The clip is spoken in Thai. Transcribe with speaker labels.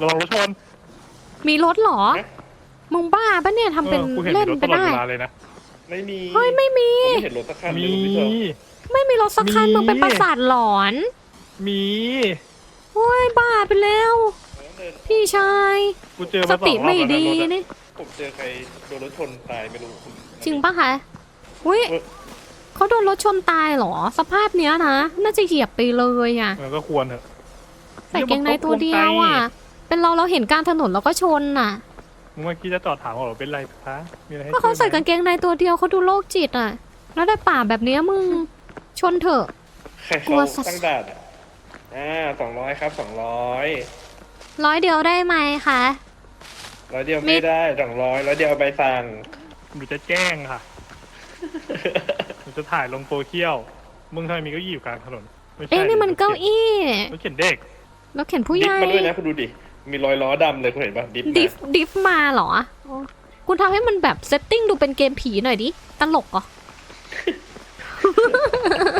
Speaker 1: ระวังรถชน
Speaker 2: มีรถเหรอมึงบ้าปะเนี่ยทำเป็นเล่นไปได้
Speaker 1: เลยนะ
Speaker 3: ไม่มี
Speaker 2: เฮ้ยไม่มี
Speaker 3: ไม่เห็นรถสักคันเลย
Speaker 1: มี
Speaker 3: คุณผู้ชม
Speaker 2: ไม่มีรถสักคันมึงเป็นประสาทหลอน
Speaker 1: มี
Speaker 2: โอ้ยบ้าไปแล้ว พี่ชาย
Speaker 1: กูเจอ
Speaker 2: ส
Speaker 1: มาส
Speaker 2: ติ
Speaker 1: องรอบ
Speaker 2: ไม่
Speaker 1: แล้ว
Speaker 2: ดี
Speaker 1: นะรถอะ
Speaker 2: นี่
Speaker 3: ผมเจอใครโดนรถชนตายไม่รู้คุณ
Speaker 2: จริงปะคะอุ้ยเขาโดนรถชนตายเหรอ สภาพเนี้ยนะน่าจะเหยียบไปเลยอ่ะ
Speaker 1: มันก็ควรเถอะ
Speaker 2: ใส่เกงในตัวเดียวอ่ะ เป็นเราเห็นกลางถนนเราก็ชนน่ะ
Speaker 1: มึงเมื่อกี้จะจอดถามว่าเป็นไรคะมีอะไรให้
Speaker 2: ก็เขาใส่
Speaker 1: ช่วยไหม
Speaker 2: กางเกงในตัวเดียวเขาดูโรคจิตอ่ะ แล้วได้ป่าแบบเนี้ยมึงชนเถอะ
Speaker 3: ใคร
Speaker 2: กลั
Speaker 3: เขา
Speaker 2: วสัส
Speaker 3: ตั้งด่านอ่ะ200ครับ200
Speaker 2: 100 เดียวได้ไหมคะ
Speaker 3: 100เดียวไม่ได้200 100เดียวเอาใบสั่ง
Speaker 1: หนูจะแจ้งค่ะหนูจะถ่ายลงโซเชียลมึงทำไมมีเก้าอี้อยู่กลางถนนไม่ใช่
Speaker 2: เอ๊ะนี่มันเก้าอี้
Speaker 1: รถเข็นเด็ก
Speaker 2: แล้วเข็นผู้ให
Speaker 3: ดิฟ
Speaker 2: ญ่
Speaker 3: มาด้วยนะคุณดูดิมีรอยล้อดำเลยคุณเห็นปะดิฟมา
Speaker 2: ดิฟมาเหรอคุณทำให้มันแบบเซตติ้งดูเป็นเกมผีหน่อยดิ ตลกเหรอ